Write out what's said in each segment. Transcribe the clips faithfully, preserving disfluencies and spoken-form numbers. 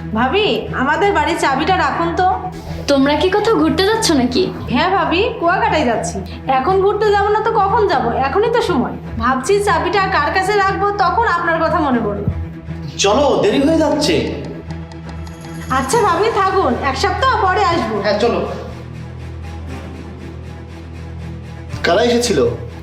ভাবি, আমাদের বাড়ির চাবিটা রাখুন তো। তোমরা কি কোথাও ঘুরতে যাচ্ছ নাকি? হ্যাঁ ভাবি, কুয়াকাটায় যাচ্ছি। এখন ঘুরতে যাবো না তো কখন যাব? এখনই তো সময়। ভাবছি চাবিটা কার কাছে রাখবো, তখন আপনার কথা মনে পড়লো। চলো, দেরি হয়ে যাচ্ছে। আচ্ছা ভাবি, থাকুন, এক সপ্তাহ পরে আসবো। হ্যাঁ চলো। কারা এসেছিল?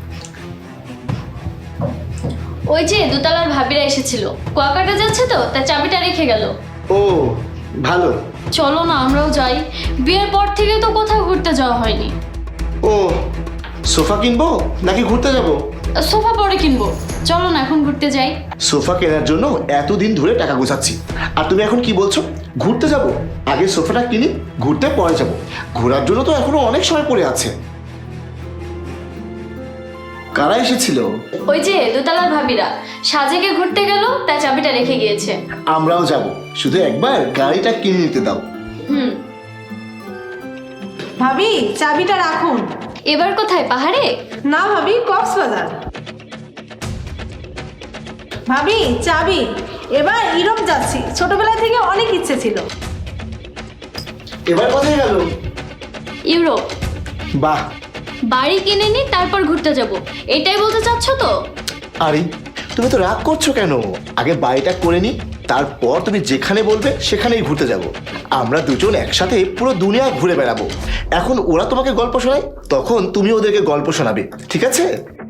ওই যে দোতলার ভাবিরা এসেছিল, কুয়াকাটা যাচ্ছে তো তাই চাবিটা রেখে গেল। ও ভালো। চলো না আমরাও যাই, বিয়ের পর থেকে তো কোথাও ঘুরতে যাওয়া হয়নি। ও সোফা কিনবো নাকি ঘুরতে যাব? সোফা পরে কিনবো, চলো না এখন ঘুরতে যাই। সোফা কেনার জন্য এতদিন ধরে টাকা গোছাচ্ছি, আর তুমি এখন কি বলছো ঘুরতে যাব? আগে সোফাটা কিনি, ঘুরতে পরে যাব। ঘোরার জন্য তো এখনো অনেক সময় পড়ে আছে। কারা এসেছিল? ওই যে দোতলার ভাবিরা সাজেকে ঘুরতে গেল, তাই চাবিটা রেখে গিয়েছে। আমরাও যাব, শুধু একবার গাড়িটা কিনে নিতে দাও। হুম। ভাবি, চাবিটা রাখুন। এবার কোথায়, পাহাড়ে? না ভাবি, কক্সবাজার। ভাবি চাবি, এবার ইউরোপ যাচ্ছি, ছোটবেলা থেকে অনেক ইচ্ছে ছিল। এবার কোথায় গেল? ইউরোপ। বাহ। বাড়ি কিনে নি, তারপর ঘুরতে যাব, এটাই বলতে চাচ্ছ তো? আরে তুমি তো রাগ করছো কেন? আগে বাড়িটা করে নি, তারপর তুমি যেখানে বলবে সেখানেই ঘুরতে যাব। আমরা দুজন একসাথে পুরো দুনিয়া ঘুরে বেড়াবো। এখন ওরা তোমাকে গল্প শোনায়, তখন তুমি ওদেরকে গল্প শোনাবে, ঠিক আছে?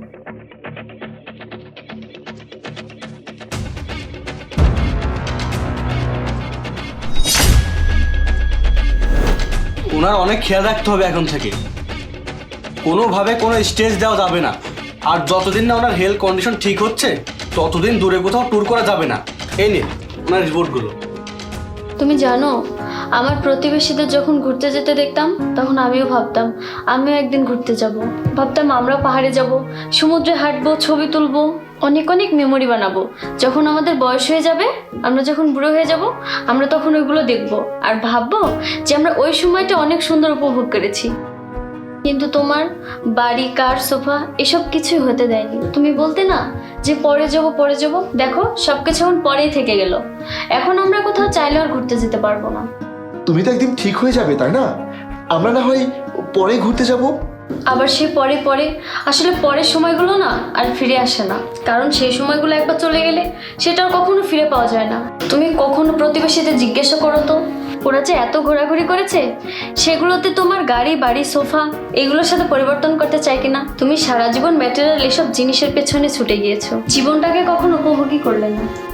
ওনার অনেক খেয়াল রাখতে হবে এখন থেকে। কোনোভাবে কোনো স্টেজ দেওয়া যাবে না, আর যতদিন না ওনার হেলথ কন্ডিশন ঠিক হচ্ছে ততদিন দূরে কোথাও ট্যুর করা যাবে না। এই নিন ওনার রিপোর্টগুলো। তুমি জানো, আমার প্রতিবেশীদের যখন ঘুরতে যেতে দেখতাম তখন আমিও ভাবতাম আমিও একদিন ঘুরতে যাব। ভাবতাম আমরা পাহাড়ে যাব, সমুদ্রে হাঁটবো, ছবি তুলবো, অনেক অনেক মেমোরি বানাবো। যখন আমাদের বয়স হয়ে যাবে, আমরা যখন বুড়ো হয়ে যাব, আমরা তখন ওইগুলো দেখবো আর ভাববো যে আমরা ওই সময়টা অনেক সুন্দর উপভোগ করেছি। কিন্তু তোমার বাড়ি, কার, সোফা এসব কিছুই হতে দেয়নি। তুমি বলতে না যে পরে যাব পরে যাব, দেখো সবকিছু এখন পরেই থেকে গেল। এখন আমরা কোথাও চাইলে আর ঘুরতে যেতে পারবো না। তুমি তো একদিন ঠিক হয়ে যাবে, তাই না? আমরা না হয় পরে ঘুরতে যাব। আবার সে পরে পরে আসলে পরের সময়গুলো না আর ফিরে আসে না, কারণ সেই সময়গুলো একবার চলে গেলে সেটা আর কখনো ফিরে পাওয়া যায় না। তুমি কখনো প্রতিবেশীদের জিজ্ঞাসা করো তো, ওরা যে এত ঘোরাঘুরি করেছে সেগুলোতে তোমার গাড়ি, বাড়ি, সোফা এগুলোর সাথে পরিবর্তন করতে চাই কিনা? তুমি সারা জীবন ম্যাটেরিয়াল এসব জিনিসের পেছনে ছুটে গিয়েছো, জীবনটাকে কখনো উপভোগই করলে না।